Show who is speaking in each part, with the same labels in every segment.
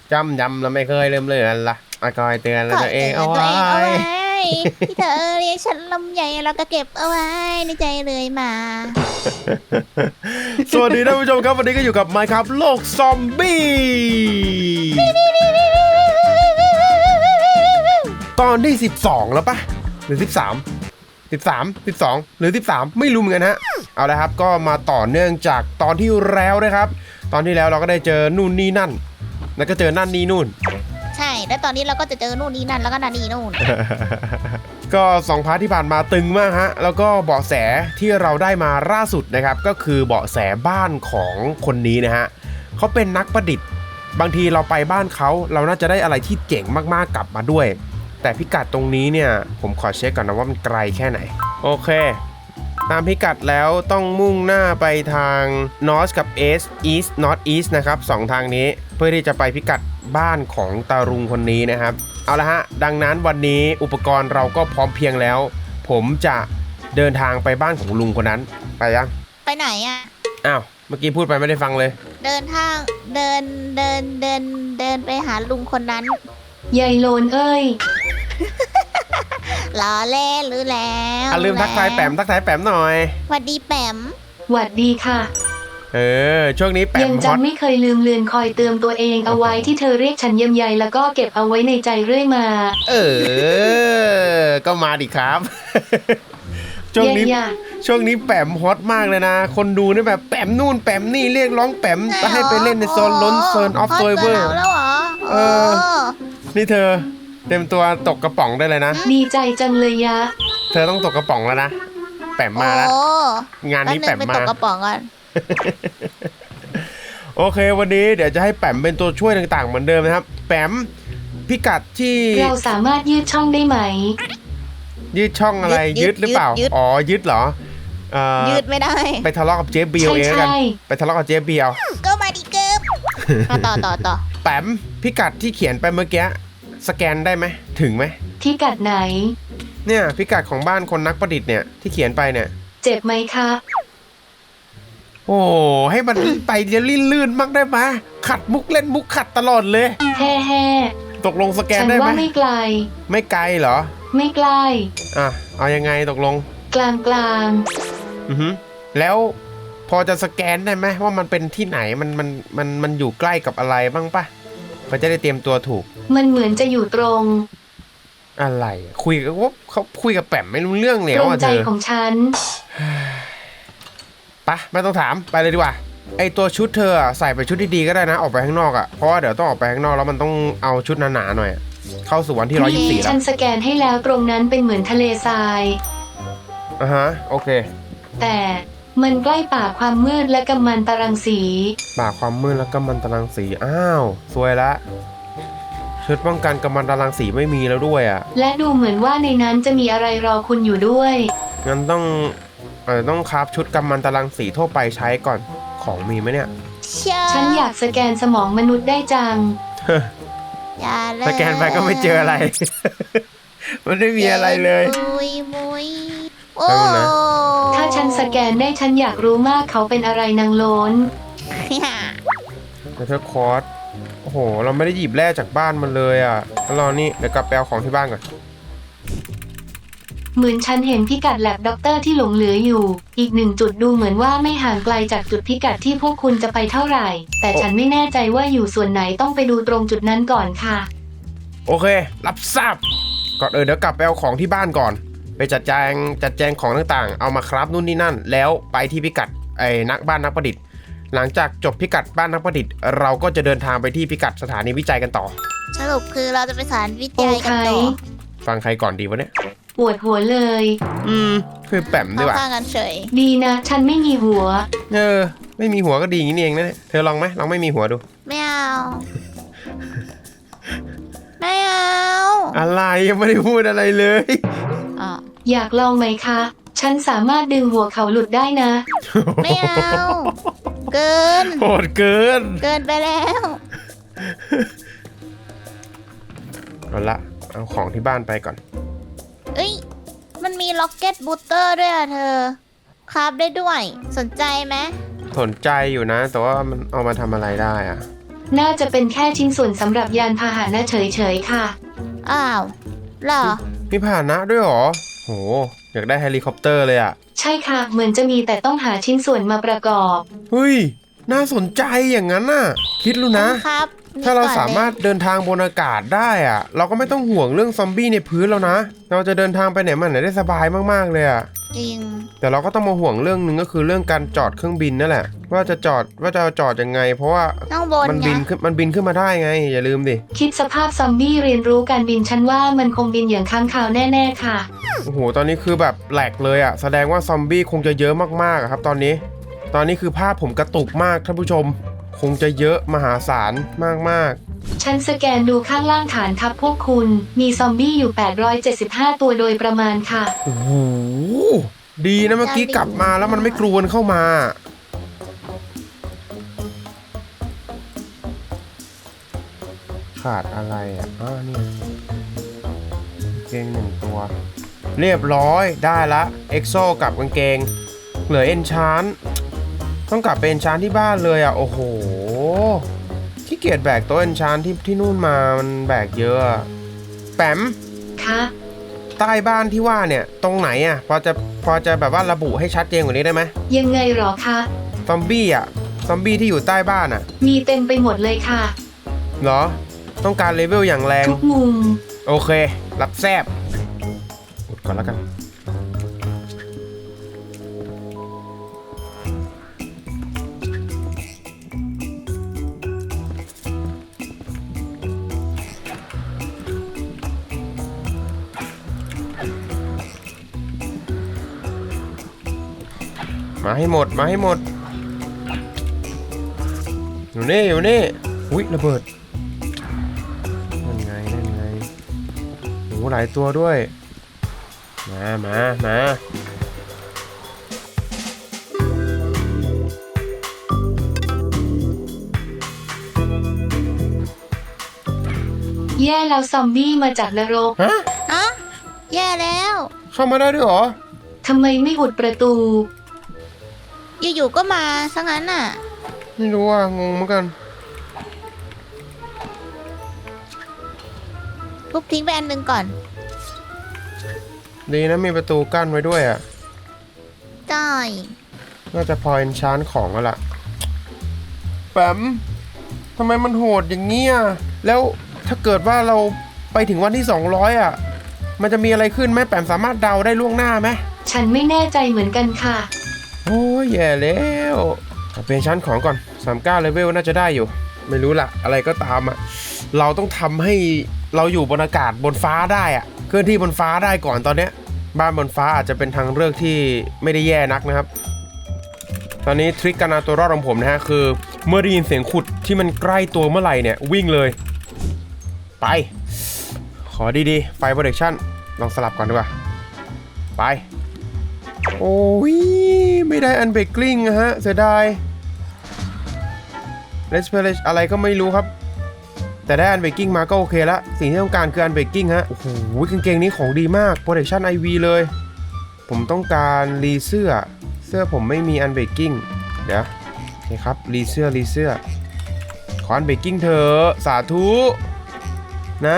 Speaker 1: จำยำเราไม่เคยลืมเลือนละคอยเตือนเราตัวเองเอาไว้
Speaker 2: ที่เธอเรียกฉันลำใหญ่เราก็เก็บเอาไว้ในใจเลยมา
Speaker 1: สวัสดีท่านผู้ชมครับวันนี้ก็อยู่กับ Minecraft โลกซอมบี้ตอนที่12แล้วปะหรือ13หรือ13ไม่รู้เหมือนกันฮะเอาละครับก็มาต่อเนื่องจากตอนที่แล้วนะครับตอนที่แล้วเราก็ได้เจอนู่นนี่นั่นแล้วก็เจอนั่นนี่นู่น
Speaker 2: ใช่แล้วตอนนี้เราก็จะเจอนู่นนี่นั่นแล้วก็นั่นนี่นู่น
Speaker 1: ก็2 พาร์ทที่ผ่านมาตึงมากฮะแล้วก็เบาะแสที่เราได้มาล่าสุดนะครับก็คือเบาะแสบ้านของคนนี้นะฮะเขาเป็นนักประดิษฐ์บางทีเราไปบ้านเขาเราน่าจะได้อะไรที่เจ๋งมากๆกลับมาด้วยแต่พิกัดตรงนี้เนี่ยผมขอเช็คก่อนนะว่ามันไกลแค่ไหนโอเคตามพิกัดแล้วต้องมุ่งหน้าไปทาง North กับ East North East นะครับ2ทางนี้เพื่อที่จะไปพิกัดบ้านของตาลุงคนนี้นะครับเอาละฮะดังนั้นวันนี้อุปกรณ์เราก็พร้อมเพียงแล้วผมจะเดินทางไปบ้านของลุงคนนั้นไปยัง
Speaker 2: ไปไหนอ่ะ
Speaker 1: อ้าวเมื่อกี้พูดไปไม่ได้ฟังเลย
Speaker 2: เดินทางเดินไปหาลุงคนนั้น
Speaker 3: ยายโลนเอ้ย
Speaker 2: ล้อเล่นหรือแล้ว
Speaker 1: ลืมทักทายแปมหน่อย
Speaker 2: สวัสดีแปม
Speaker 3: หวัดดีค่ะ
Speaker 1: ช่วงนี้แปม
Speaker 3: ยังจำไม่เคยลืมเลือนคอยเตือนตัวเองเอาไว้ที่เธอเรียกฉันเยี่ยมใยแล้วก็เก็บเอาไว้ในใจเรื่อยมา
Speaker 1: ก็มาดิครับ ช่วงนี้แปมฮอตมากเลยนะคนดูนี่แบบแปมนู่นแปมนี่เรียกร้องแปมจะให้ไปเล่นในโซนล้นโซนออฟโซเวอร์
Speaker 2: แล้วเหรอ
Speaker 1: นี่เธอเต็มตัวตกกระป๋องได้เลยนะ
Speaker 3: ดีใจจังเลยยะ
Speaker 1: เธอต้องตกกระป๋องแล้วนะแปมมาแล้วงานนี้แปมมา
Speaker 2: ตกกระป๋องกัน
Speaker 1: โอเควันนี้เดี๋ยวจะให้แปมเป็นตัวช่วยต่างๆเหมือนเดิมนะครับแปมพิกัดที่
Speaker 3: เราสามารถยืดช่องได้ไหม
Speaker 1: ยืดช่องอะไรยืดหรือเปล่าอ๋อยืดเหรอ
Speaker 2: ยืดไม่ได้
Speaker 1: ไปทะเลาะกับเจ๊เบียวเองกันไปทะเลาะกับเจ๊เบียว
Speaker 2: ก็มาดิเกิบต่อ
Speaker 1: แปมพิกัดที่เขียนไปเมื่อกี้สแกนได้ไหมถึงไหม
Speaker 3: พิกัดไหน
Speaker 1: เนี่ยพิกัดของบ้านคนนักประดิษฐ์เนี่ยที่เขียนไปเนี่ย
Speaker 3: เจ็บไหมคะ
Speaker 1: โอ้ให้มันไปเดี๋ยวลื่นๆมากได้ไหมขัดมุกเล่นมุกขัดตลอดเลย
Speaker 3: แฮ่
Speaker 1: ตกลงสแกนได้ไหมฉัน
Speaker 3: ว่าไม่ไกล
Speaker 1: ไม่ไกลเหรอ
Speaker 3: ไม่ไกล
Speaker 1: เอายังไงตกลง
Speaker 3: กลาง
Speaker 1: แล้วพอจะสแกนได้ไหมว่ามันเป็นที่ไหนมันอยู่ใกล้กับอะไรบ้างปะมันจะได้เตรียมตัวถูก
Speaker 3: มันเหมือนจะอยู่ตรง
Speaker 1: อะไรคุยกับว่าเขาคุยกับแปมไม่รู้เรื่องแล้ว
Speaker 3: ตรงใจของฉัน
Speaker 1: ปะไม่ต้องถามไปเลยดีกว่าไอตัวชุดเธอใส่ไปชุดที่ดีก็ได้นะออกไปข้างนอกเพราะว่าเดี๋ยวต้องออกไปข้างนอกแล้วมันต้องเอาชุดหนาๆหน่อยเข้าสู่วันที่124แล้ว
Speaker 3: ฉันสแกนให้แล้วตรงนั้นเป็นเหมือนทะเลทราย
Speaker 1: โอเค
Speaker 3: แต่มันใกล้ป่าความมืดและกัมมันตรังสี
Speaker 1: ป่าความมืดและกัมมันตรังสีอ้าวสวยละชุดป้องกันกัมมันตรังสีไม่มีแล้วด้วย
Speaker 3: และดูเหมือนว่าในนั้นจะมีอะไรรอคุณอยู่ด้วย
Speaker 1: งั้นต้องคราฟชุดกัมมันตรังสีทั่วไปใช้ก่อนของมีไหมเนี่ย
Speaker 3: ฉันอยากสแกนสมองมนุษย์ได้จัง
Speaker 1: สแกนไปก็ไม่เจออะไร มันไม่มีอะไรเลย
Speaker 3: ถ้าฉันสแกนได้ฉันอยากรู้มากเขาเป็นอะไรนางโล้น
Speaker 1: แต่เธอคอร์สโอ้โหเราไม่ได้หยิบแร่จากบ้านมันเลยแล้วรอนี่เดี๋ยวกลับไปเอาของที่บ้านก่อน
Speaker 3: เหมือนฉันเห็นพิกัดแลบด็อกเตอร์ที่หลงเหลืออยู่อีก1 จุดดูเหมือนว่าไม่ห่างไกลจากจุดพิกัดที่พวกคุณจะไปเท่าไหร่แต่ฉันไม่แน่ใจว่าอยู่ส่วนไหนต้องไปดูตรงจุดนั้นก่อนค่ะ
Speaker 1: โอเครับทราบก่อนเดี๋ยวกลับไปเอาของที่บ้านก่อนไปจัดแจงของต่างๆเอามาครับนู่นนี่นั่นแล้วไปที่พิกัดบ้านนักประดิษฐ์หลังจากจบพิกัดบ้านนักประดิษฐ์เราก็จะเดินทางไปที่พิกัดสถานีวิจัยกันต่อ
Speaker 2: สรุปคือเราจะไปสถานีวิจัยกันต่อ
Speaker 1: ฟังใครก่อนดีวะเนี่ย
Speaker 3: ปวดหัวเลย
Speaker 1: คือแปมดีกว่า
Speaker 2: กันเฉย
Speaker 3: ดีนะฉันไม่มีหัว
Speaker 1: ไม่มีหัวก็ดีอย่างนี้เองนะเนี่ยเธอลองไหมลองไม่มีหัวดู
Speaker 2: ไม่เอาไม่เอา
Speaker 1: อะไรยังไม่ได้พูดอะไรเลย
Speaker 3: อยากลองไหมคะฉันสามารถดึงหัวเขาหลุดได้นะ
Speaker 2: ไม่เอาเกิน
Speaker 1: โหดเกิน
Speaker 2: ไปแล้ว
Speaker 1: เอาละเอาของที่บ้านไปก่อน
Speaker 2: มันมีล็อกเก็ตบูสเตอร์ด้วยเธอคราฟได้ด้วยสนใจไหม
Speaker 1: สนใจอยู่นะแต่ว่ามันเอามาทำอะไรได้
Speaker 3: น่าจะเป็นแค่ชิ้นส่วนสำหรับยานพาหนะเฉยๆค่ะ
Speaker 2: อ้าวเหรอ
Speaker 1: มีพาหนะด้วยเหรอโหอยากได้เฮลิคอปเตอร์เลยอะ
Speaker 3: ใช่ค่ะ เหมือนจะมีแต่ต้องหาชิ้นส่วนมาประกอบ
Speaker 1: เฮ้ยน่าสนใจอย่างนั้นน่ะคิดรู้นะ
Speaker 2: ครับ
Speaker 1: ถ้าเรา
Speaker 2: ก่อนลย
Speaker 1: สามารถเดินทางบนอากาศได้อะเราก็ไม่ต้องห่วงเรื่องซอมบี้ในพื้นแล้วนะเราจะเดินทางไปไหนมาไหนได้สบายมากๆเลยอะ
Speaker 2: จริง
Speaker 1: แต่เราก็ต้องมาห่วงเรื่องหนึ่งก็คือเรื่องการจอดเครื่องบินนั่นแหละว่าจะจอดยังไง เพราะว่า
Speaker 2: ต้องบน
Speaker 1: มัน
Speaker 2: ไง
Speaker 1: บินขึ้นมาได้ไงอย่าลืมดิ
Speaker 3: คิดสภาพซอมบี้เรียนรู้การบินฉันว่ามันคงบินอย่างค้างคาวแน่ๆค่ะ
Speaker 1: โอ้โหตอนนี้คือแบบแหลกเลยอะแสดงว่าซอมบี้คงจะเยอะมากๆอะครับตอนนี้คือภาพผมกระตุกมากท่านผู้ชม คงจะเยอะมหาศาลมากๆ
Speaker 3: ฉันสแกนดูข้างล่างฐานทัพพวกคุณ มีซอมบี้อยู่ 875 ตัวโดยประมาณค่ะ
Speaker 1: โอ้โหดีนะเมื่อกี้กลับมาแล้วมันไม่กรวนเข้ามา ขาดอะไรอ่ะนี่กางเกง1 ตัว เรียบร้อยได้ละเอ็กโซกับกางเกง เหลือเอนชานต้องกลับไปเอนชานที่บ้านเลยอ่ะโอ้โหขี้เกียจแบกโต๊ะเอนชานที่นู่นมามันแบกเยอะอะแปม
Speaker 3: ค่ะ
Speaker 1: ใต้บ้านที่ว่าเนี่ยตรงไหนอ่ะพอจะแบบว่าระบุให้ชัดเจนกว่านี้ได้ไหม
Speaker 3: ยังไงหรอคะ
Speaker 1: ซอมบี้อ่ะซอมบี้ที่อยู่ใต้บ้านอ่ะ
Speaker 3: มีเต็มไปหมดเลยค่ะ
Speaker 1: เหรอต้องการเลเวลอย่างแรง
Speaker 3: ทุกมุม
Speaker 1: โอเค รับแซบอุดก่อนแล้วกันมาให้หมดอยู่นี่อุ๊ยระเบิดนั่นไงโหหลายตัวด้วยมา
Speaker 3: แย่แล้วซอมบี้มาจากนรก
Speaker 1: ฮะ
Speaker 2: อะแย่แล้ว
Speaker 1: เข้ามาได้ด้วยเหรอ
Speaker 3: ทำไมไม่อุดประตู
Speaker 2: อยู่ๆก็มาซะงั้นน่ะ
Speaker 1: ไม่รู้อ่ะงงเหมือนกัน
Speaker 2: ทุบทิ้งไปอันหนึ่งก่อน
Speaker 1: ดีนะมีประตูกั้นไว้ด้วยอ่ะ
Speaker 2: ได้
Speaker 1: น่าจะพอเอนชานของแล้วล่ะแปมทำไมมันโหดอย่างเงี้ยแล้วถ้าเกิดว่าเราไปถึงวันที่200อ่ะมันจะมีอะไรขึ้นไหมแปมสามารถเดาได้ล่วงหน้าไหม
Speaker 3: ฉันไม่แน่ใจเหมือนกันค่ะ
Speaker 1: โอ้ยแย่แล้วเอาเป็นชั้นของก่อน39เลเวลน่าจะได้อยู่ ไม่รู้ล่ะ อะไรก็ตามอ่ะเราต้องทำให้เราอยู่บนอากาศบนฟ้าได้อ่ะเคลื่อนที่บนฟ้าได้ก่อนตอนเนี้ยบ้านบนฟ้าอาจจะเป็นทางเลือกที่ไม่ได้แย่นักนะครับ ตอนนี้ทริคการเอาตัวรอดของผมนะฮะคือเมื่อได้ยินเสียงขุดที่มันใกล้ตัวเมื่อไหร่เนี่ยวิ่งเลยไปขอดีๆไฟโปรดักชั่นลองสลับก่อนดีกว่าไปโอ้ยไม่ได้อันเบรกกิ้งนะฮะเสียดายเลสเพลชอะไรก็ไม่รู้ครับแต่ได้อันเบรกกิ้งมาก็โอเคละสิ่งที่ต้องการคืออันเบรกกิ้งฮะโอ้โหกางเกงนี้ของดีมากโปรดักชั่น IV เลยผมต้องการรีเสื้อผมไม่มีอันเบรกกิ้งเดี๋ยวโอเคครับรีเสื้อขออันเบรกกิ้งเถอะสาธุนะ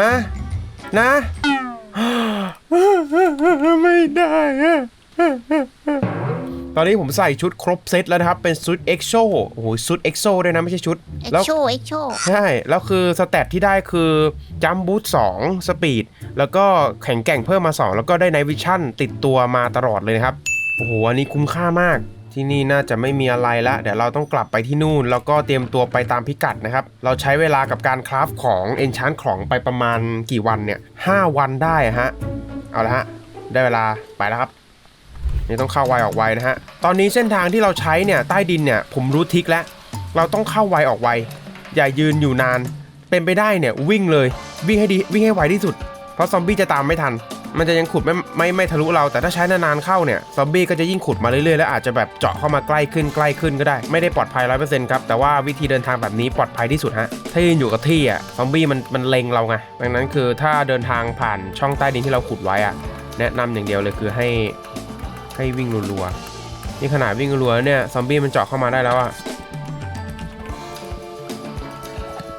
Speaker 1: ไม่ได้อะตอนนี้ผมใส่ชุดครบเซตแล้วนะครับเป็นชุดเอ็กโซโอ้โหชุดเอ็กโซด้วยนะไม่ใช่ชุด
Speaker 2: เอ็ก
Speaker 1: แล้ว
Speaker 2: โชเอ็กโช
Speaker 1: ใช่แล้วคือสเตตที่ได้คือจัมบูท2สปีดแล้วก็แข็งแกร่งเพิ่มมา2แล้วก็ได้ไนท์วิชั่นติดตัวมาตลอดเลยนะครับโอ้โหอันนี้คุ้มค่ามากที่นี่น่าจะไม่มีอะไรละเดี๋ยวเราต้องกลับไปที่นู่นแล้วก็เตรียมตัวไปตามพิกัดนะครับเราใช้เวลากับการคราฟของเอนชานของไปประมาณกี่วันเนี่ย5 วันได้ฮะเอาละฮะได้เวลาไปแล้วครับนี่ต้องเข้าไวออกไวนะฮะตอนนี้เส้นทางที่เราใช้เนี่ยใต้ดินเนี่ยผมรู้ทริคแล้วเราต้องเข้าไวออกไวอย่ายืนอยู่นานเป็นไปได้เนี่ยวิ่งเลยวิ่งให้ดีวิ่งให้ไวที่สุดเพราะซอมบี้จะตามไม่ทันมันจะยังขุดไม่ทะลุเราแต่ถ้าใช้นานๆเข้าเนี่ยซอมบี้ก็จะยิ่งขุดมาเรื่อยๆแล้วอาจจะแบบเจาะเข้ามาใกล้ขึ้นก็ได้ไม่ได้ปลอดภัย 100% ครับแต่ว่าวิธีเดินทางแบบนี้ปลอดภัยที่สุดฮะถ้ายืนอยู่กับที่อ่ะซอมบี้มันเล็งเราไงดังนั้นคือถ้าเดินทางผ่านช่องใต้ดินที่เราขุดไว้อ่ะแนะนำอย่างเดียวเลยคือให้วิ่งรัวๆนี่ขนาดวิ่งรัวๆเนี่ยซอมบี้มันเจาะเข้ามาได้แล้วอ่ะ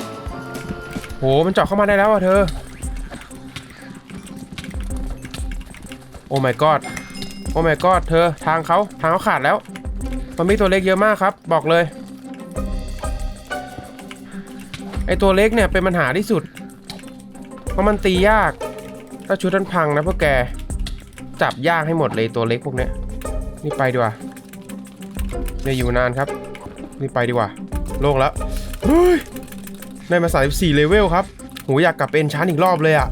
Speaker 1: มันเจาะเข้ามาได้แล้วอ่ะเธอโอ้ my god โอ้ my god เธอทางเขาขาดแล้วซอมบี้ตัวเล็กเยอะมากครับบอกเลยไอตัวเล็กเนี่ยเป็นปัญหาที่สุดเพราะมันตียากถ้าชุดนั้นพังนะพวกแกจับยากให้หมดเลยตัวเล็กพวกเนี้ยนี่ไปดีกว่าไม่อยู่นานครับนี่ไปดีกว่าโล่งแล้วเฮ้ยได้มา34เลเวลครับโหอยากกลับเป็นชั้นอีกรอบเลยอ่ะ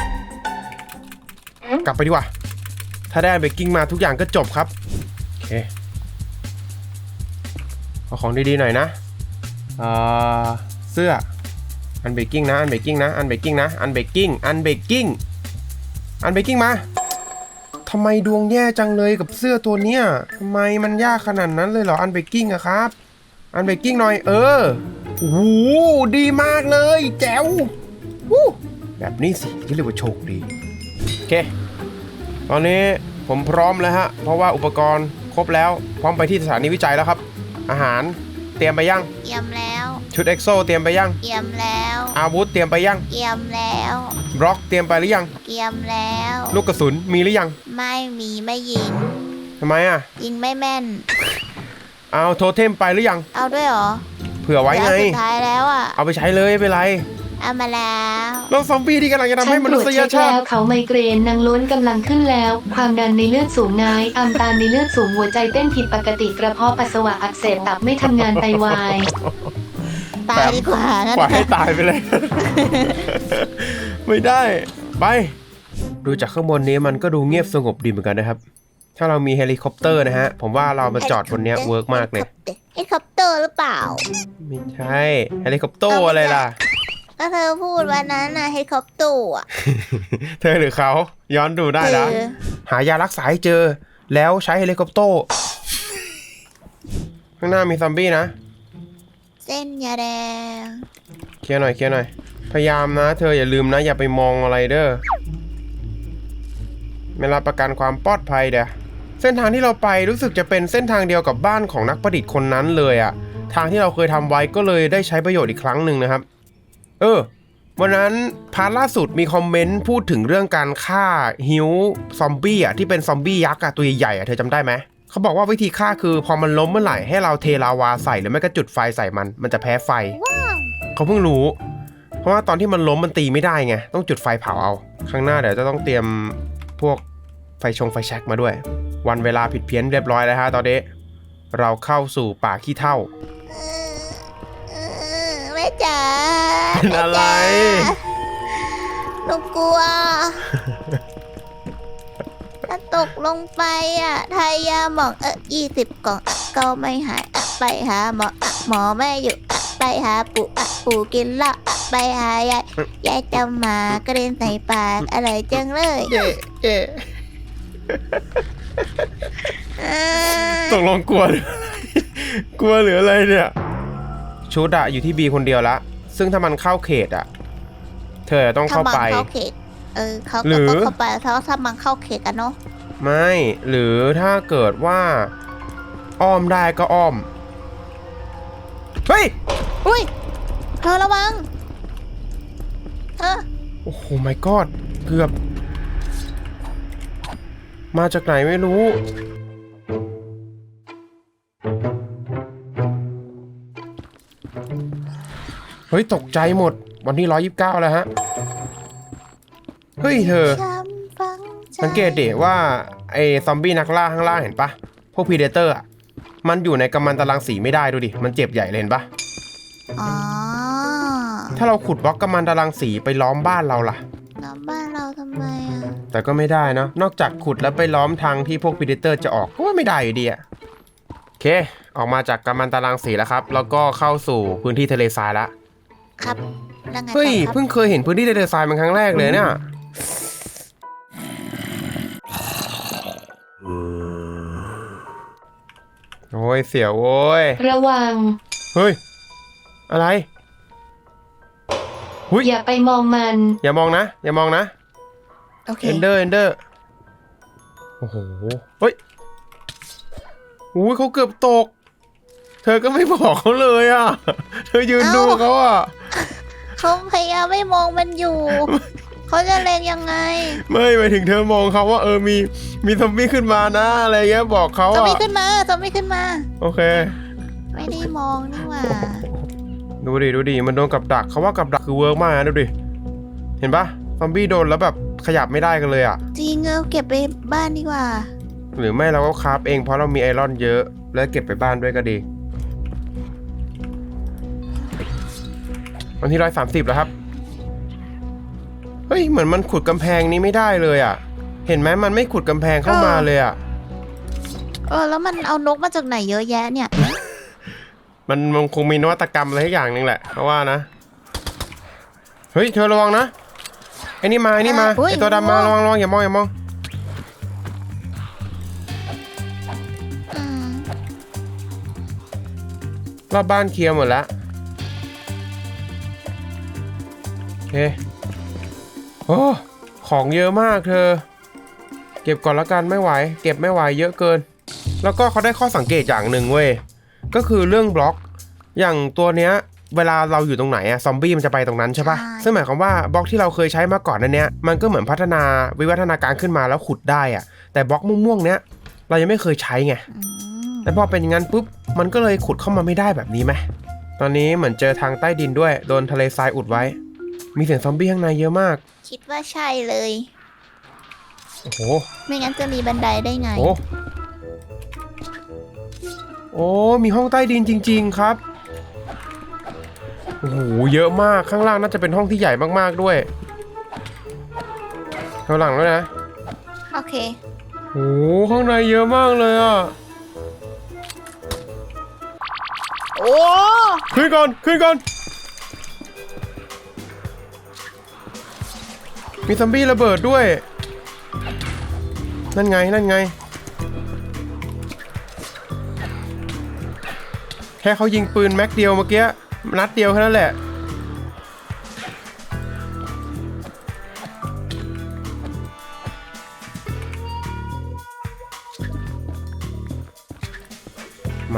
Speaker 1: กลับไปดีกว่าถ้าได้เบกกิ้งมาทุกอย่างก็จบครับโอเคเอาของดีๆหน่อยนะเสื้ออันเบกกิ้งนะอันเบกกิ้งนะอันเบกกิ้งนะอันเบกกิ้งมาทำไมดวงแย่จังเลยกับเสื้อตัวเนี้ยทำไมมันยากขนาดนั้นเลยเหรออันเบกกิ้งอะครับอันเบกกิ้งหน่อยโอ้โหดีมากเลยแจ๋วแบบนี้สิที่เรียกว่าโชคดีโอเคตอนนี้ผมพร้อมแล้วฮะเพราะว่าอุปกรณ์ครบแล้วพร้อมไปที่สถานีวิจัยแล้วครับอาหารเตรียมไปยัง
Speaker 2: เยี่ยมแล้ว
Speaker 1: ชุดเอ็กโซเตรียมไปยัง
Speaker 2: เยี่ยมแล้ว
Speaker 1: อาวุธเตรียมไปยัง
Speaker 2: เยี่ยมแล้ว
Speaker 1: บล็อกเตรียมไปหรือยัง
Speaker 2: เยี่ยมแล้ว
Speaker 1: ลูกกระสุนมีหรือยัง
Speaker 2: ไม่มีไม่ยิง
Speaker 1: ทำไมอ่ะ
Speaker 2: ยิงไม่แม่น
Speaker 1: เอาโทเทมไปหรือยัง
Speaker 2: เอาด้วยเหรอ
Speaker 1: เผื่อไว้ไง
Speaker 2: เดี๋ยวสุดท้ายแล้วอ่ะ
Speaker 1: เอาไปใช้เลยไม่เป็นไร
Speaker 2: เอามาแล้ว
Speaker 1: เราซอมบี้ที่กำลังจะทำ
Speaker 3: ฉั
Speaker 1: ให้
Speaker 3: น
Speaker 1: ม
Speaker 3: ตร
Speaker 1: นุ
Speaker 3: วจ
Speaker 1: ษย
Speaker 3: เช็ค
Speaker 1: ชา
Speaker 3: แล้
Speaker 1: ติ
Speaker 3: วเขาไมเกรนนางล้วนกำลังขึ้นแล้ว ความดันในเลือดสูงนายอัมตาลในเลือดสูงหัวใจเต้นผิดปกติกระเพาะปัสสาวะอักเสบตับไม่ทำงานไตวาย
Speaker 2: ตายดีกว่างั้น
Speaker 1: ปล่อยให้ตายไปเลย ไม่ได้ไปดูจากข้างบนนี้มันก็ดูเงียบสงบดีเหมือนกันนะครับถ้าเรามีเฮลิคอปเตอร์นะฮะผมว่าเรามาจอดบนเนี้ยเวิร์กมากเลย
Speaker 2: เฮลิคอปเตอร์หรือเปล่า
Speaker 1: ไม่ใช่เฮลิคอปเตอร์อะไรล่ะ
Speaker 2: ก็เธอพูดวันนั้นนะเฮลิคอปเตอร์อ่ะ
Speaker 1: เธอหรือเขาย้อนดูได้นะ
Speaker 2: คือ
Speaker 1: หายารักษาให้เจอแล้วใช้เฮลิคอปเตอร์ข้างหน้ามีซอมบี้นะ
Speaker 2: เส้นยาแดง
Speaker 1: เคลียร์หน่อยพยายามนะเธออย่าลืมนะอย่าไปมองอะไรเด้อไม่รับประกันความปลอดภัยเด้อเส้นทางที่เราไปรู้สึกจะเป็นเส้นทางเดียวกับบ้านของนักประดิษฐ์คนนั้นเลยอะทางที่เราเคยทำไว้ก็เลยได้ใช้ประโยชน์อีกครั้งหนึ่งนะครับวันนั้นพาร์ทล่าสุดมีคอมเมนต์พูดถึงเรื่องการฆ่าฮิวซอมบี้อะที่เป็นซอมบี้ยักษ์อะตัวใหญ่ๆอะเธอจำได้ไหมเขาบอกว่าวิธีฆ่าคือพอมันล้มเมื่อไหร่ให้เราเทลาวาใส่หรือไม่ก็จุดไฟใส่มันจะแพ้ไฟ
Speaker 2: ว้าว
Speaker 1: เขาเพิ่งรู้เพราะว่าตอนที่มันล้มมันตีไม่ได้ไงต้องจุดไฟเผาเอาข้างหน้าเดี๋ยวจะต้องเตรียมพวกไฟแช็กมาด้วยวันเวลาผิดเพี้ยนเรียบร้อยแล้วฮะตอนนี้เราเข้าสู่ป่าขี้เถ้า
Speaker 2: แม่จ๋า
Speaker 1: เป็นอะไร
Speaker 2: หนูกลัว ถ้าตกลงไปอ่ะทายาหมอง20 กล่องก็ไม่หายไปหาหมอหมอไม่อยู่ไปหาปู่กินเหล้าไปหายายจะมากระเด็นใส่ปากอะไรจังเลย
Speaker 1: เย่ตกลงกลัวหรือ กลัวหรืออะไรเนี่ยชุดอะอยู่ที่บีคนเดียวละซึ่งถ้ามันเข้าเขตอะเธอต้องเข้าไป
Speaker 2: เข้าเขตเขา
Speaker 1: หรือ
Speaker 2: ก็เข้าไปถ้ามันเข้าเขตกันเนาะ
Speaker 1: ไม่หรือถ้าเกิดว่าอ้อมได้ก็อ้อมเฮ้ย
Speaker 2: อุ้ยเธอระวัง
Speaker 1: โอ้โห my god เกือบมาจากไหนไม่รู้เฮ้ยตกใจหมดวันที่129แล้วฮะเฮ้ยเธอสังเกตดิว่าไอ้ซอมบี้นักล่าข้างล่างเห็นปะพวกพีเดเตอร์อ่ะมันอยู่ในกัมมันตรังสีไม่ได้ดูดิมันเจ็บใหญ่เลยเห็นปะ
Speaker 2: อ๋อ
Speaker 1: ถ้าเราขุดบล็อกกัมมันตรังสีไปล้อมบ้านเราล่ะ
Speaker 2: ล้อมบ้านเราทำไมอ่ะ
Speaker 1: แต่ก็ไม่ได้นะนอกจากขุดแล้วไปล้อมทางที่พวกพีเดเตอร์จะออกก็ว่าไม่ได้อยู่ดีอะโอเคออกมาจากกัมมันตรังสีแล้วครับแล้วก็เข้าสู่พื้นที่ทะเลทรายแล้ว
Speaker 2: ครับแล้วไงต่อ
Speaker 1: เฮ้ย
Speaker 2: ครับ
Speaker 1: เพิ่งเคยเห็นพื้นที่ทะเลทรายเป็นครั้งแรกเลยเนี่ยโอ้ยเสียวโว้ย
Speaker 3: ระวัง
Speaker 1: เฮ้ยอะไรหุย
Speaker 3: อย่าไปมองมัน
Speaker 1: อย่ามองนะอย่ามองนะ
Speaker 2: โอเค
Speaker 1: เอนเดอร์โอ้โหเฮ้ยอุ้ยเขาเกือบตกเธอก็ไม่บอกเขาเลยอ่ะเธอยืนดูเขาอ่ะ
Speaker 2: เขาพยายามไม่มองมันอยู่ เขาจะเล็งยังไง
Speaker 1: ไม่หมายถึงเธอมองเขาว่ามีซอมบี้ขึ้นมานะอะไรเงี้ยบอกเขา
Speaker 2: จะ
Speaker 1: อะ
Speaker 2: ไม่ขึ้นมาจะไม่ขึ้นมา
Speaker 1: โอเค
Speaker 2: ไม่ได้มองนี่หว่า
Speaker 1: ดูดิมันโดนกับดักเขาว่ากับดักคือเวิร์กมากนะดูดิเห็นปะซอมบี้โดนแล้วแบบขยับไม่ได้กันเลยอะ
Speaker 2: จริงเก็บไปบ้านดีกว่า
Speaker 1: หรือไม่เราก็คราฟเองเพราะเรามีไอรอนเยอะแล้วเก็บไปบ้านด้วยก็ดีวันที่130แล้วครับเฮ้ยเหมือนมันขุดกำแพงนี้ไม่ได้เลยอะเห็นไหมมันไม่ขุดกำแพงเข้ามาเลยอะ
Speaker 2: แล้วมันเอานกมาจากไหนเยอะแยะเนี่ย
Speaker 1: มันคงมีนวัตกรรมอะไรสักอย่างหนึ่งแหละเพราะว่านะเฮ้ยเธอระวังนะไอ้นี่มาไอตัวดำมาระวังอย่ามอง
Speaker 2: อืม
Speaker 1: รอบบ้านเคลียร์หมดแล้วโอเคโอ้ของเยอะมากเธอเก็บก่อนละกันไม่ไหวเก็บไม่ไหวเยอะเกินแล้วก็เขาได้ข้อสังเกตอย่างหนึ่งเว้ยก็คือเรื่องบล็อกอย่างตัวเนี้ยเวลาเราอยู่ตรงไหนอะซอมบี้มันจะไปตรงนั้นใช่ปะซึ่งหมายความว่าบล็อกที่เราเคยใช้มาก่อนนั้นเนี้ยมันก็เหมือนพัฒนาวิวัฒนาการขึ้นมาแล้วขุดได้อะแต่บล็อกม่วงๆเนี้ยเรายังไม่เคยใช้ไงแล้วพอเป็นอย่างนั้นปุ๊บมันก็เลยขุดเข้ามาไม่ได้แบบนี้ไหมตอนนี้เหมือนเจอทางใต้ดินด้วยโดนทะเลทรายอุดไว้มีเสียงซอมบี้ข้างในเยอะมาก
Speaker 2: คิดว่าใช่เลย
Speaker 1: โอ้โห
Speaker 2: ไม่งั้นจะมีบันไดได้ไง
Speaker 1: โอ้มีห้องใต้ดินจริงๆครับโอ้โหเยอะมากข้างล่างน่าจะเป็นห้องที่ใหญ่มากๆด้วยข้างหลังด้วยนะ
Speaker 2: โอเค
Speaker 1: โอ้โหข้างในเยอะมากเลยอ่ะ
Speaker 2: โอ้
Speaker 1: ขึ้นก่อนมีซอมบี้ระเบิดด้วยนั่นไงแค่เขายิงปืนแม็กเดียวเมื่อกี้นัดเดียวแค่นั้นแหละหมา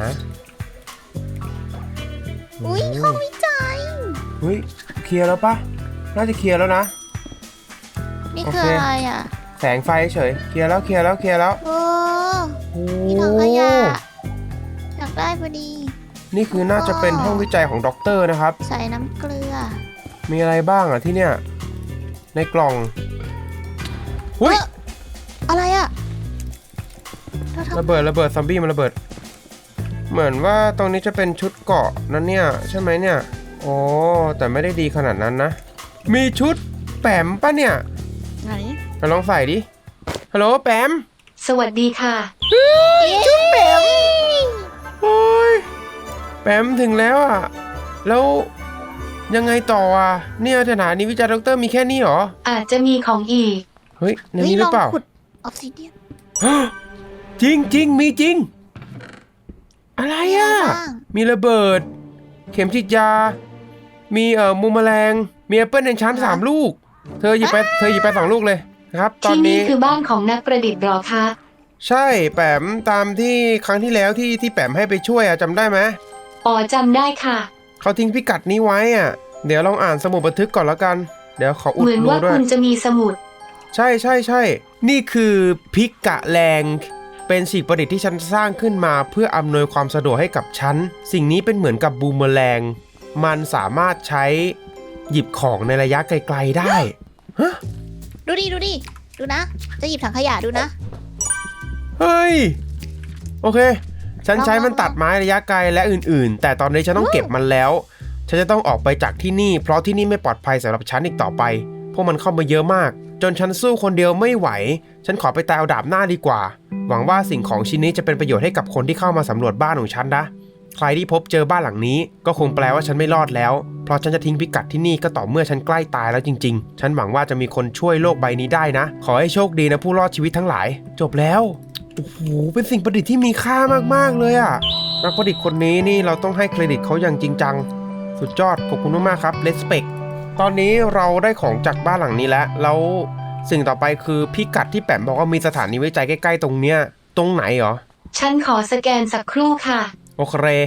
Speaker 2: อุ้ยห้องวิจัย
Speaker 1: เฮ้ยเคลียร์แล้วปะน่าจะเคลียร์แล้วนะ
Speaker 2: นี่คืออะไรอ่ะ
Speaker 1: แสงไฟเฉยเคลียร์แล้ว
Speaker 2: โอ้
Speaker 1: โอ้
Speaker 2: มีถังขยะอยากได้พอดี
Speaker 1: นี่คือน่าจะเป็นห้องวิจัยของด็อกเตอร์นะครับ
Speaker 2: ใส่น้ำเกลือ
Speaker 1: มีอะไรบ้างอ่ะที่เนี่ยในกล่องหุ้ย
Speaker 2: อะไรอ่ะเราทำ
Speaker 1: ระเบิดซอมบี้มันระเบิดเหมือนว่าตรงนี้จะเป็นชุดเกราะนั่นเนี่ยใช่ไหมเนี่ยโอ้แต่ไม่ได้ดีขนาดนั้นนะมีชุดแปมปะเนี่ย
Speaker 2: ไหน
Speaker 1: ไปลองใส่ดิฮัลโหลแปม
Speaker 3: สวัสดีค่ะ
Speaker 2: ชุดแปม
Speaker 1: โอ้ยแปมถึงแล้วอ่ะแล้วยังไงต่ออ่ะเนี่ยสถานีวิจัยด็อกเตอร์มีแค่นี้เหรอ
Speaker 3: อาจจะมีของอีก
Speaker 1: เฮ้ยในนี้หรือเปล่า
Speaker 2: ขุดออกซิเดียน
Speaker 1: จริงมีจริงอะไรอ่ะ
Speaker 2: บ้าง
Speaker 1: มีระเบิด เข็มฉีดยา มีมุมแมลง มีแอปเปิลในชั้น3 ลูก เธอหยิบไป2 ลูกเลยนะครับ ตอน
Speaker 3: ที่นี่
Speaker 1: นี้
Speaker 3: คือบ้านของนักประดิษฐ์หรอคะ
Speaker 1: ใช่แปมตามที่ครั้งที่แล้วที่แปมให้ไปช่วยอะจำได้ไหม
Speaker 3: อ๋อจำได้ค่ะ
Speaker 1: เขาทิ้งพิกัดนี้ไว้อ่ะเดี๋ยวลองอ่านสมุดบันทึกก่อนแล้วกัน เดี๋ยวขออุด
Speaker 3: เหมือน
Speaker 1: รู
Speaker 3: ว่า
Speaker 1: ด้วย
Speaker 3: คุณจะมีสมุด
Speaker 1: ใช่นี่คือพิกะแรงเป็นสิ่งประดิษฐ์ที่ฉันสร้างขึ้นมาเพื่ออำนวยความสะดวกให้กับฉันสิ่งนี้เป็นเหมือนกับบูมเมอแรงมันสามารถใช้หยิบของในระยะไกลๆได้ฮะ
Speaker 2: ดูดิดูนะ จะหยิบถังขยะดูนะ
Speaker 1: เฮ้ยโอเคฉันใช้มัน
Speaker 2: ลอง
Speaker 1: ตัดไม้ระยะไกลและอื่นๆ แต่ตอนนี้ฉันต้องเก็บมันแล้วฉันจะต้องออกไปจากที่นี่เพราะที่นี่ไม่ปลอดภัยสำหรับฉันอีกต่อไปพวกมันเข้ามาเยอะมากจนฉันสู้คนเดียวไม่ไหวฉันขอไปตายเอาดาบหน้าดีกว่าหวังว่าสิ่งของชิ้นนี้จะเป็นประโยชน์ให้กับคนที่เข้ามาสำรวจบ้านของฉันนะใครที่พบเจอบ้านหลังนี้ก็คงแปลว่าฉันไม่รอดแล้วเพราะฉันจะทิ้งพิกัดที่นี่ก็ต่อเมื่อฉันใกล้ตายแล้วจริงๆฉันหวังว่าจะมีคนช่วยโลกใบนี้ได้นะขอให้โชคดีนะผู้รอดชีวิตทั้งหลายจบแล้วโอ้โหเป็นสิ่งประดิษฐ์ที่มีค่ามากๆเลยอะนักประดิษฐ์คนนี้นี่เราต้องให้เครดิตเขาอย่างจริงจังสุดยอดขอบคุณมากๆครับเลสเปกตอนนี้เราได้ของจากบ้านหลังนี้แล้วสิ่งต่อไปคือพิกัดที่แปมบอกว่ามีสถานีวิจัยใกล้ๆตรงเนี้ยตรงไหนเหรอ
Speaker 3: ฉันขอสแกนสักครู่ค่ะ
Speaker 1: โอเค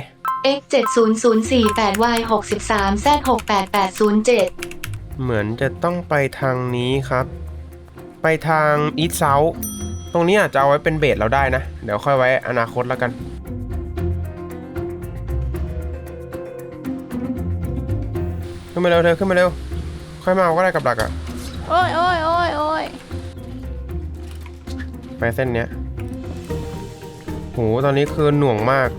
Speaker 3: x 70048 y 63 z 68807
Speaker 1: เหมือนจะต้องไปทางนี้ครับ ไปทางอีสต์เซาท์ตรงนี้อาจจะเอาไว้เป็นเบสเราได้นะ เดี๋ยวค่อยไว้อนาคตแล้วกันขึ้นมาเร็วเธอขึ้นมาเร็วค่อยมาเอาก็ได้กับดักอะ
Speaker 2: โอ้ยโอ้ยโอ้ยโอ้ย
Speaker 1: ไปเส้นเนี้ยโหตอนนี้คือหน่วงมาก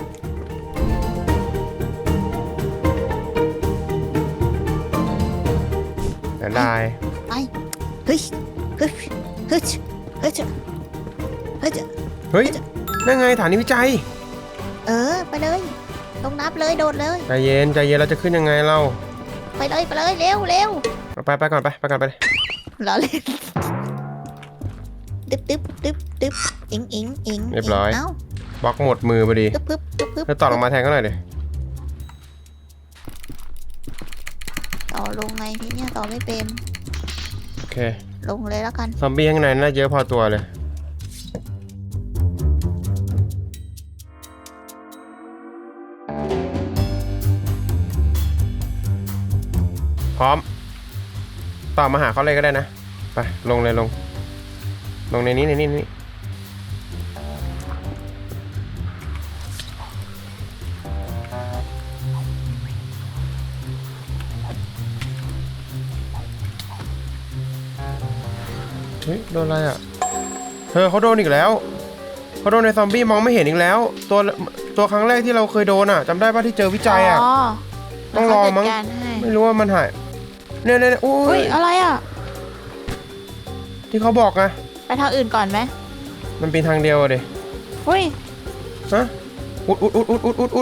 Speaker 1: แต่ได้
Speaker 2: ไปเฮ้ยเฮ้ยเฮ้ยเฮ้ยเฮ้ย
Speaker 1: เฮ้ยนั่นไงฐานวิจัย
Speaker 2: ไปเลยลงน้ำเลยโดดเลย
Speaker 1: ใจเย็นใจเย็นเราจะขึ้นยังไงเรา
Speaker 2: ไปเลยไปเลยเร็วเร็ว
Speaker 1: ไปก่อนไปก่อนไป
Speaker 2: ล้อเล่นตึ๊บตึ๊บตึ๊บตึ๊บอิงอิงอิง
Speaker 1: เรียบร้อย
Speaker 2: เอ้า
Speaker 1: บล็อกหมดมือพอดี
Speaker 2: ตึ๊บปึ๊บตึ๊บปึ๊บ
Speaker 1: แล้วต่อลงมาแทนก็หน่อยดิ
Speaker 2: ต่อลงไงพี่เนี่ยต่อไม่เป็น
Speaker 1: โอเค
Speaker 2: ลงเลยแล้วกัน
Speaker 1: ซอมบี้ข้างในน่าเยอะพอตัวเลยพร้อมต่อมาหาเขาเลยก็ได้นะไปลงเลยลงในนี้เฮ้ยโดนอะไรอ่ะเธอเขาโดนอีกแล้วเขาโดนในซอมบี้มองไม่เห็นอีกแล้ว ตัวครั้งแรกที่เราเคยโดนอ่ะจำได้ป่ะที่เจอวิจัยอ่ะ ต้องรอมั้ง
Speaker 2: เขาจัดการให้
Speaker 1: ไม่รู้ว่ามันหายเนี่ยโอ้
Speaker 2: อุ้
Speaker 1: ย
Speaker 2: ยอะไรอ่ะ
Speaker 1: ที่เขาบอกไง
Speaker 2: ไปทางอื่นก่อนไหม
Speaker 1: มันเป็นทางเดียวอะดิ
Speaker 2: อุ้ย
Speaker 1: ฮะอุด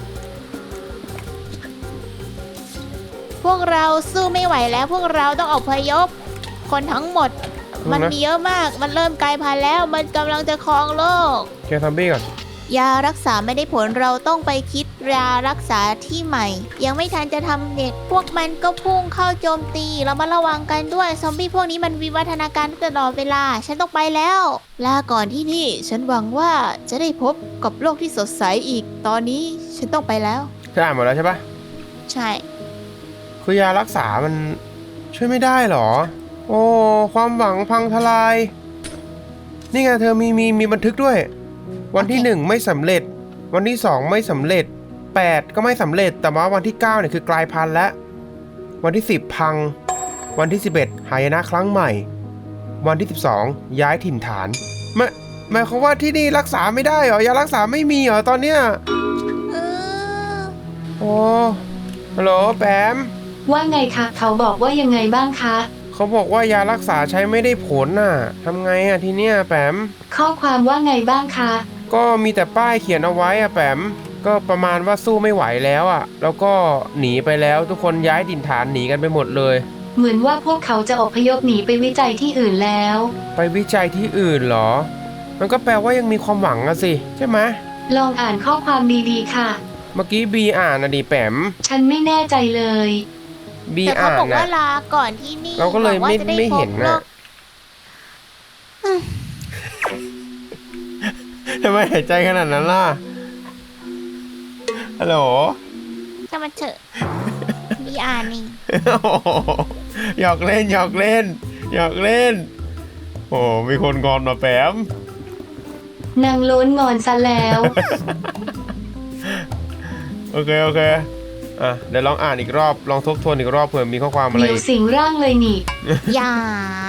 Speaker 2: พวกเราสู้ไม่ไหวแล้วพวกเราต้องอพยพคนทั้งหมด มันมีเยอะมากมันเริ่มกลายพันธุ์แล้วมันกำลังจะครองโลก
Speaker 1: เคลียร์ซอมบี้ก่อน
Speaker 2: ยารักษาไม่ได้ผลเราต้องไปคิดยารักษาที่ใหม่ ยังไม่ทันจะทำเด็กพวกมันก็พุ่งเข้าโจมตีเรามาระวังกันด้วยซอมบี้พวกนี้มันวิวัฒนาการตลอดเวลาฉันต้องไปแล้วลาก่อนที่นี่ฉันหวังว่าจะได้พบกับโลกที่สดใสอีกตอนนี้ฉันต้องไปแล้ว
Speaker 1: เธออ่านหมดแล้วใช่ปะ
Speaker 2: ใช่
Speaker 1: คือยารักษามันช่วยไม่ได้หรอ โอ้ความหวังพังทลาย นี่ไงเธอมีบันทึกด้วย วันที่ 1 ไม่สำเร็จ วันที่ 2 ไม่สำเร็จ 8 ก็ไม่สำเร็จ แต่ว่าวันที่ 9เนี่ยคือกลายพันธุ์แล้ววันที่ 10 พัง วันที่ 11 หายนะครั้งใหม่ วันที่ 12 ย้ายถิ่นฐานหมายความว่าที่นี่รักษาไม่ได้เหรอยารักษาไม่มีเหรอตอนเนี้ย
Speaker 2: เออ
Speaker 1: โอ้ฮัลโหลแปม
Speaker 3: ว่าไงคะเขาบอกว่ายังไงบ้างคะ
Speaker 1: เขาบอกว่ายารักษาใช้ไม่ได้ผลน่ะทำไงอ่ะทีเนี้ยแปม
Speaker 3: ข้อความว่าไงบ้างคะ
Speaker 1: ก็มีแต่ป้ายเขียนเอาไว้อะแปมก็ประมาณว่าสู้ไม่ไหวแล้วอะแล้วก็หนีไปแล้วทุกคนย้ายถิ่นฐานหนีกันไปหมดเลย
Speaker 3: เหมือนว่าพวกเขาจะอพยพหนีไปวิจัยที่อื่นแล้ว
Speaker 1: ไปวิจัยที่อื่นเหรอ มันก็แปลว่ายังมีความหวังอะสิใช่ไหม
Speaker 3: ลองอ่านข้อความดีๆค่ะ
Speaker 1: เมื่อกี้บีอ่านนะดิแปม
Speaker 3: ฉันไม่แน่ใจเลย
Speaker 1: บี
Speaker 2: แต่เขา
Speaker 1: อ่าน
Speaker 2: บอกว่า
Speaker 1: นะ
Speaker 2: ลาก่อนที่นี่
Speaker 1: เราก็เลย
Speaker 2: บอกว่าจะด้
Speaker 1: ไม่เห็น
Speaker 2: พบโล
Speaker 1: นะ
Speaker 2: ก
Speaker 1: ทำไมหายใจขนาดนั้นล่ะฮัลโหล
Speaker 2: ถ้ามันเถอะ มีอ่านนี่
Speaker 1: หยอกเล่นโอ้มีคนงอนมาแปม
Speaker 3: นางโล้นงอนซะแล้ว
Speaker 1: โอเคอ่ะเดี๋ยวลองอ่านอีกรอบลองทบทวนอีกรอบเผื่อมีข้อความอะไร
Speaker 3: เดี๋ยว
Speaker 1: อีก
Speaker 3: สิงร่างเลยนี่
Speaker 2: อย่า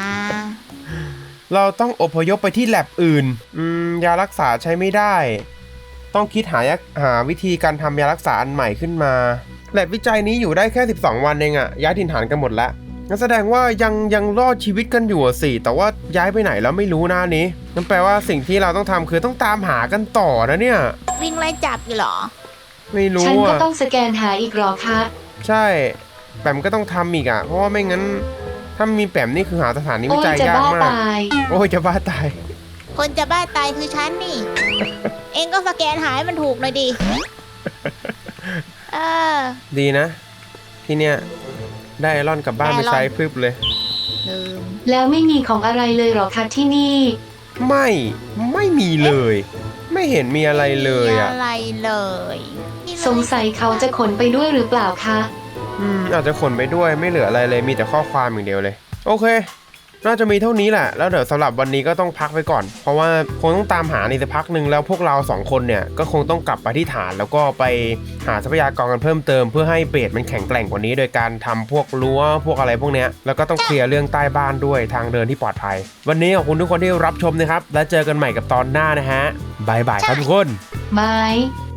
Speaker 1: เราต้องอพยพไปที่แลบอื่นยารักษาใช้ไม่ได้ ต้องคิดหาวิธีการทำยารักษาอันใหม่ขึ้นมาแลบวิจัยนี้อยู่ได้แค่12 วันเองอะย้ายถิ่นฐานกันหมดแล้วงั้นแสดงว่ายังรอดชีวิตกันอยู่อะสิแต่ว่าย้ายไปไหนแล้วไม่รู้นะนี้นั่นแปลว่าสิ่งที่เราต้องทำคือต้องตามหากันต่อนะเนี่ย
Speaker 2: วิ่งไล่จับอยู่เหรอ
Speaker 1: ไม่รู้
Speaker 3: ฉันก็
Speaker 1: อะ
Speaker 3: ต้องสแกนหาอีกหรอคะ
Speaker 1: ใช่แปมก็ต้องทำอีกอะเพราะว่าไม่งั้นถ้ามีแปมนี่คือหาสถานีวิ
Speaker 3: โอ้ย
Speaker 1: จัย
Speaker 3: จะ
Speaker 1: ยาก
Speaker 3: บ้าม
Speaker 1: าก
Speaker 3: ตาย
Speaker 1: โอ้ยจะบ้าตาย
Speaker 2: คนจะบ้าตายคือฉันนี่ เองก็สแกนหายมันถูกหน่อยดิ เออ
Speaker 1: ดีนะ ที่เนี้ยได้ไอรอนกลับบ้านไปใช้พรึบเลย
Speaker 2: ลืม
Speaker 3: แล้วไม่มีของอะไรเลยหรอคะที่นี่
Speaker 1: ไม่มีเลย ไม่เห็นมีอะไรเลย
Speaker 2: มี
Speaker 1: อ่ะ
Speaker 2: อะไรเลย นนี่เลย
Speaker 3: สงสัยเขาจะขนไปด้วยหรือเปล่าคะ
Speaker 1: อาจจะขนไปด้วยไม่เหลืออะไรเลยมีแต่ข้อความอย่างเดียวเลยโอเคน่าจะมีเท่านี้แหละแล้วเดี๋ยวสำหรับวันนี้ก็ต้องพักไปก่อนเพราะว่าคงต้องตามหาในสักพักหนึ่งแล้วพวกเรา2คนเนี่ยก็คงต้องกลับไปที่ฐานแล้วก็ไปหาทรัพยากรกันเพิ่มเติมเพื่อให้เบสมันแข็งแกร่งกว่านี้โดยการทำพวกรั้วพวกอะไรพวกเนี้ยแล้วก็ต้องเคลียร์เรื่องใต้บ้านด้วยทางเดินที่ปลอดภัยวันนี้ขอบคุณทุกคนที่รับชมนะครับแล้วเจอกันใหม่กับตอนหน้านะฮะบายบายครับทุกคน
Speaker 3: บาย